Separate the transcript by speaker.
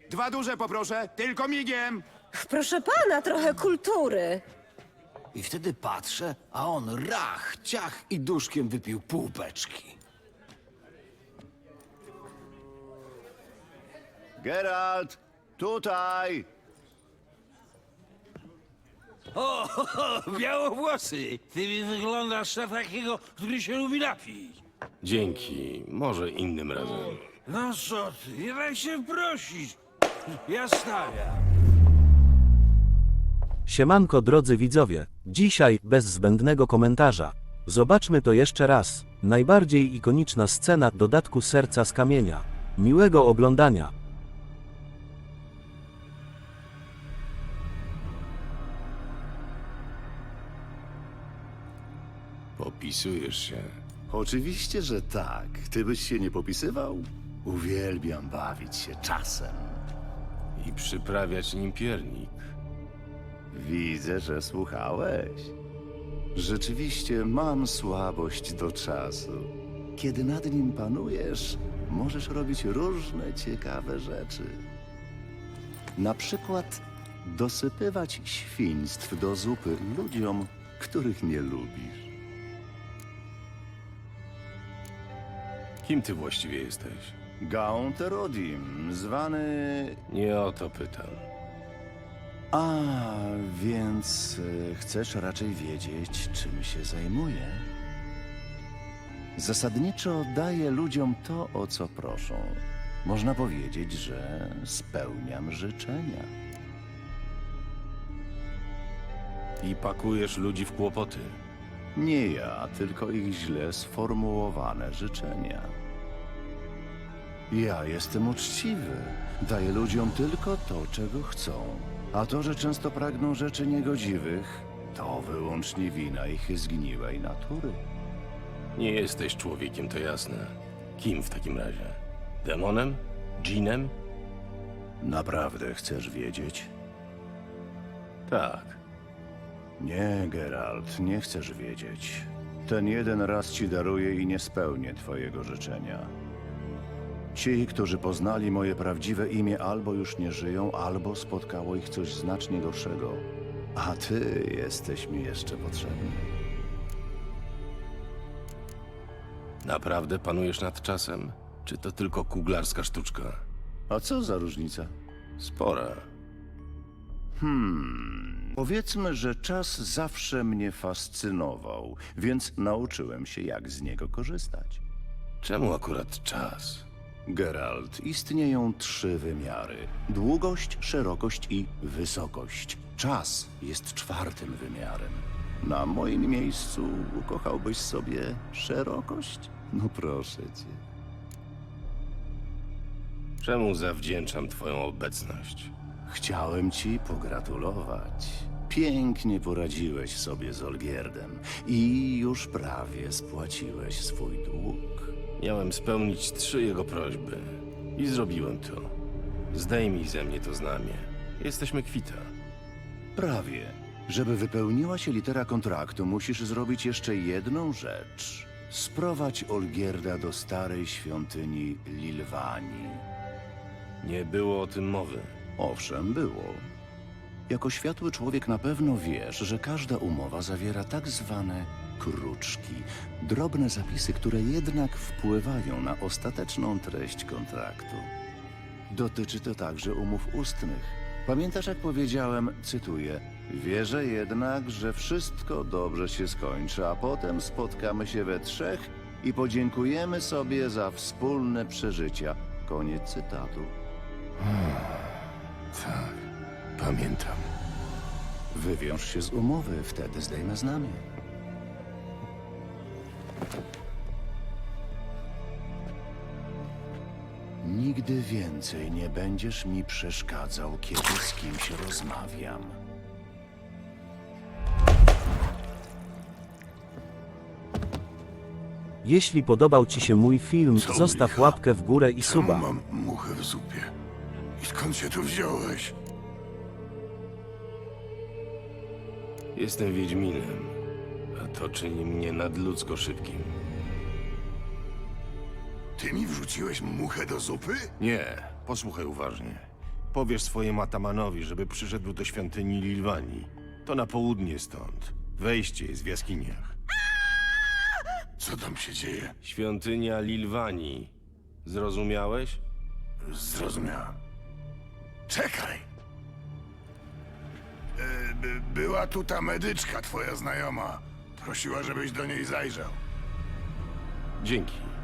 Speaker 1: 2 duże poproszę, tylko migiem.
Speaker 2: Proszę pana, trochę kultury.
Speaker 3: I wtedy patrzę, a on rach, ciach i duszkiem wypił pół beczki.
Speaker 1: Geralt, tutaj.
Speaker 4: O, białowłosy! Ty mi wyglądasz na takiego, który się lubi napić.
Speaker 5: Dzięki, może innym razem.
Speaker 4: No co ty, nie daj się prosić. Ja stawiam.
Speaker 6: Siemanko drodzy widzowie, dzisiaj bez zbędnego komentarza. Zobaczmy to jeszcze raz. Najbardziej ikoniczna scena dodatku Serca z Kamienia. Miłego oglądania.
Speaker 5: Popisujesz się.
Speaker 7: Oczywiście, że tak. Ty byś się nie popisywał? Uwielbiam bawić się czasem.
Speaker 5: I przyprawiać nim piernik.
Speaker 7: Widzę, że słuchałeś. Rzeczywiście mam słabość do czasu. Kiedy nad nim panujesz, możesz robić różne ciekawe rzeczy. Na przykład dosypywać świństw do zupy ludziom, których nie lubisz.
Speaker 5: Kim ty właściwie jesteś?
Speaker 7: Gaunt Erodim, zwany...
Speaker 5: Nie o to pytam.
Speaker 7: A, więc chcesz raczej wiedzieć, czym się zajmuję? Zasadniczo daję ludziom to, o co proszą. Można powiedzieć, że spełniam życzenia.
Speaker 5: I pakujesz ludzi w kłopoty.
Speaker 7: Nie ja, tylko ich źle sformułowane życzenia. Ja jestem uczciwy. Daję ludziom tylko to, czego chcą. A to, że często pragną rzeczy niegodziwych, to wyłącznie wina ich zgniłej natury.
Speaker 5: Nie jesteś człowiekiem, to jasne. Kim w takim razie? Demonem? Dżinem?
Speaker 7: Naprawdę chcesz wiedzieć?
Speaker 5: Tak.
Speaker 7: Nie, Geralt, nie chcesz wiedzieć. Ten jeden raz ci daruję i nie spełnię twojego życzenia. Ci, którzy poznali moje prawdziwe imię, albo już nie żyją, albo spotkało ich coś znacznie gorszego. A ty jesteś mi jeszcze potrzebny.
Speaker 5: Naprawdę panujesz nad czasem? Czy to tylko kuglarska sztuczka?
Speaker 7: A co za różnica?
Speaker 5: Spora.
Speaker 7: Powiedzmy, że czas zawsze mnie fascynował, więc nauczyłem się, jak z niego korzystać.
Speaker 5: Czemu akurat czas?
Speaker 7: Geralt, istnieją 3 wymiary. Długość, szerokość i wysokość. Czas jest 4. wymiarem. Na moim miejscu ukochałbyś sobie szerokość? No proszę cię.
Speaker 5: Czemu zawdzięczam twoją obecność?
Speaker 7: Chciałem ci pogratulować. Pięknie poradziłeś sobie z Olgierdem i już prawie spłaciłeś swój dług.
Speaker 5: Miałem spełnić 3 jego prośby. I zrobiłem to. Zdejmij ze mnie to znamie. Jesteśmy kwita.
Speaker 7: Prawie. Żeby wypełniła się litera kontraktu, musisz zrobić jeszcze jedną rzecz. Sprowadź Olgierda do starej świątyni Lilwanii.
Speaker 5: Nie było o tym mowy.
Speaker 7: Owszem, było. Jako światły człowiek na pewno wiesz, że każda umowa zawiera tak zwane kruczki. Drobne zapisy, które jednak wpływają na ostateczną treść kontraktu. Dotyczy to także umów ustnych. Pamiętasz, jak powiedziałem, cytuję, wierzę jednak, że wszystko dobrze się skończy, a potem spotkamy się we 3 i podziękujemy sobie za wspólne przeżycia. Koniec cytatu.
Speaker 5: Tak, pamiętam.
Speaker 7: Wywiąż się z umowy, wtedy zdejmę znamie. Nigdy więcej nie będziesz mi przeszkadzał, kiedy z kimś rozmawiam.
Speaker 6: Jeśli podobał ci się mój film, zostaw łapkę w górę i suba.
Speaker 8: Mam muchę w zupie. I skąd się tu wziąłeś?
Speaker 5: Jestem Wiedźminem, a to czyni mnie nadludzko szybkim.
Speaker 8: Ty mi wrzuciłeś muchę do zupy?
Speaker 5: Nie, posłuchaj uważnie. Powiesz swojemu atamanowi, żeby przyszedł do świątyni Lilwani. To na południe stąd. Wejście jest w jaskiniach.
Speaker 8: Co tam się dzieje?
Speaker 5: Świątynia Lilwani. Zrozumiałeś?
Speaker 8: Zrozumiałem. Czekaj! Była tu ta medyczka, twoja znajoma. Prosiła, żebyś do niej zajrzał.
Speaker 5: Dzięki.